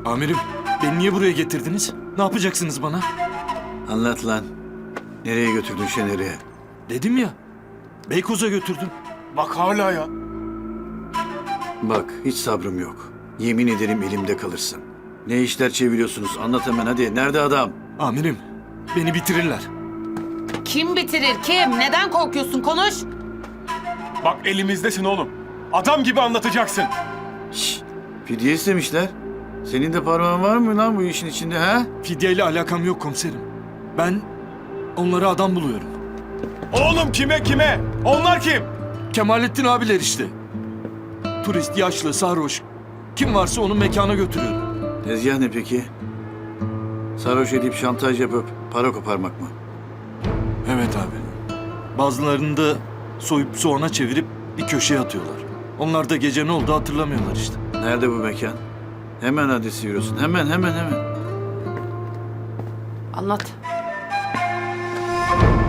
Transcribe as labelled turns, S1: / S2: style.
S1: Amirim, beni niye buraya getirdiniz? Ne yapacaksınız bana?
S2: Anlat lan. Nereye götürdün Şener'i?
S1: Dedim ya, Beykoz'a götürdüm.
S3: Bak hala ya.
S2: Bak hiç sabrım yok. Yemin ederim elimde kalırsın. Ne işler çeviriyorsunuz? Anlat hemen hadi. Nerede adam?
S1: Amirim, beni bitirirler.
S4: Kim bitirir kim? Neden korkuyorsun? Konuş.
S3: Bak elimizdesin oğlum. Adam gibi anlatacaksın.
S2: Şşş. Fidye istemişler. Senin de parmağın var mı lan bu işin içinde ha?
S1: Fidyeyle alakam yok komiserim. Ben onlara adam buluyorum.
S3: Oğlum kime? Onlar kim?
S1: Kemalettin abiler işte. Turist, yaşlı, sarhoş. Kim varsa onu mekana götürüyorum.
S2: Tezgah ne peki? Sarhoş edip şantaj yapıp para koparmak mı?
S1: Evet abi. Bazılarını da soyup soğana çevirip bir köşeye atıyorlar. Onlar da gece ne oldu hatırlamıyorlar işte.
S2: Nerede bu mekan? Hemen adresi yürüsün. Hemen.
S4: Anlat.